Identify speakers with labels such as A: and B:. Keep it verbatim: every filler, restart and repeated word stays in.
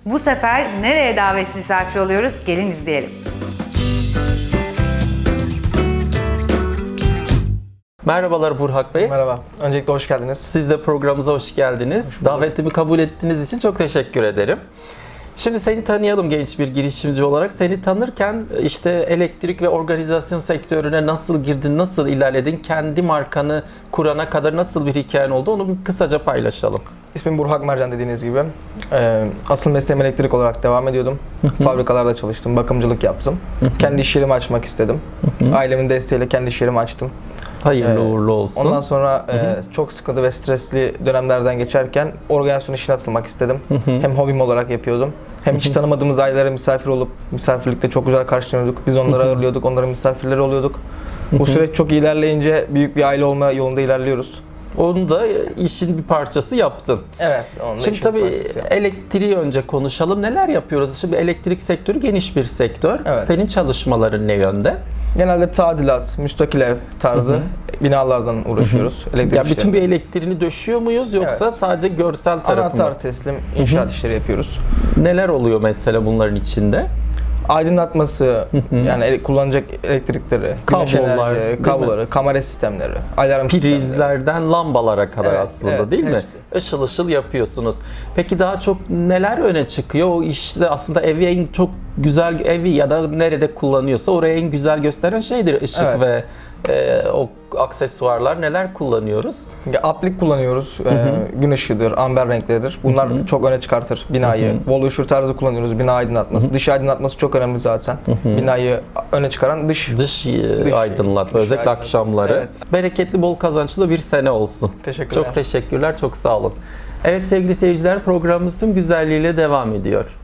A: Bu sefer nereye davet misafir oluyoruz? Gelin izleyelim.
B: Merhabalar Burhak Bey.
C: Merhaba. Öncelikle hoş geldiniz.
B: Siz de programımıza hoş geldiniz. Hoş Davetimi kabul ettiğiniz için çok teşekkür ederim. Şimdi seni tanıyalım genç bir girişimci olarak. Seni tanırken işte elektrik ve organizasyon sektörüne nasıl girdin, nasıl ilerledin, kendi markanı kurana kadar nasıl bir hikayen oldu onu bir kısaca paylaşalım.
C: İsmim Burhak Mercan dediğiniz gibi. Ee, asıl mesleğim elektrik olarak devam ediyordum. Fabrikalarda çalıştım, bakımcılık yaptım. Kendi iş yerimi açmak istedim. Ailemin desteğiyle kendi iş yerimi açtım.
B: Hayırlı
C: Ee,
B: uğurlu olsun.
C: Ondan sonra e, çok sıkıntı ve stresli dönemlerden geçerken organizasyon işine atılmak istedim. Hem hobim olarak yapıyordum. Hem hiç tanımadığımız ailelere misafir olup misafirlikte çok güzel karşılanıyorduk. Biz onları ağırlıyorduk, onların misafirleri oluyorduk. Bu süreç çok ilerleyince büyük bir aile olma yolunda ilerliyoruz.
B: Onu da işin bir parçası yaptın.
C: Evet. Onun da
B: Şimdi
C: işin
B: tabii
C: parçası.
B: elektriği önce konuşalım. Neler yapıyoruz? Şimdi elektrik sektörü geniş bir sektör.
C: Evet.
B: Senin çalışmaların ne yönde?
C: Genelde tadilat, müstakil ev tarzı hı hı. binalardan uğraşıyoruz. Elektrik
B: Ya bütün bir
C: işlerinde.
B: elektriğini döşüyor muyuz yoksa
C: Evet.
B: sadece görsel tarafı mı?
C: Anahtar teslim, inşaat işleri yapıyoruz.
B: Neler oluyor mesela bunların içinde?
C: Aydınlatması, yani ele- kullanacak elektrikleri, güneş
B: Kablolar, değil
C: enerji,
B: mi?
C: kabloları, kamera sistemleri, alarm sistemleri.
B: Prizlerden lambalara kadar
C: Evet,
B: aslında
C: evet,
B: değil mi?
C: hepsi.
B: Işıl ışıl yapıyorsunuz. Peki daha çok neler öne çıkıyor? O işte aslında evi en çok güzel evi ya da nerede kullanıyorsa oraya en güzel gösteren şeydir ışık
C: Evet.
B: ve e, o aksesuarlar. Neler kullanıyoruz?
C: Ya, aplik kullanıyoruz, hı hı. E, gün ışığıdır, amber renkleridir. Bunlar hı hı. çok öne çıkartır binayı. Hı hı. Wall ışığı tarzı kullanıyoruz, bina aydınlatması. Hı hı. Dış aydınlatması çok önemli zaten. Hı hı. Binayı öne çıkaran dış.
B: Dış, dış aydınlatma, özellikle
C: aydınlatması.
B: akşamları. Evet. Bereketli, bol kazançlı bir sene olsun.
C: Teşekkürler.
B: Çok teşekkürler, çok sağ olun. Evet sevgili seyirciler, programımız tüm güzelliğiyle devam ediyor.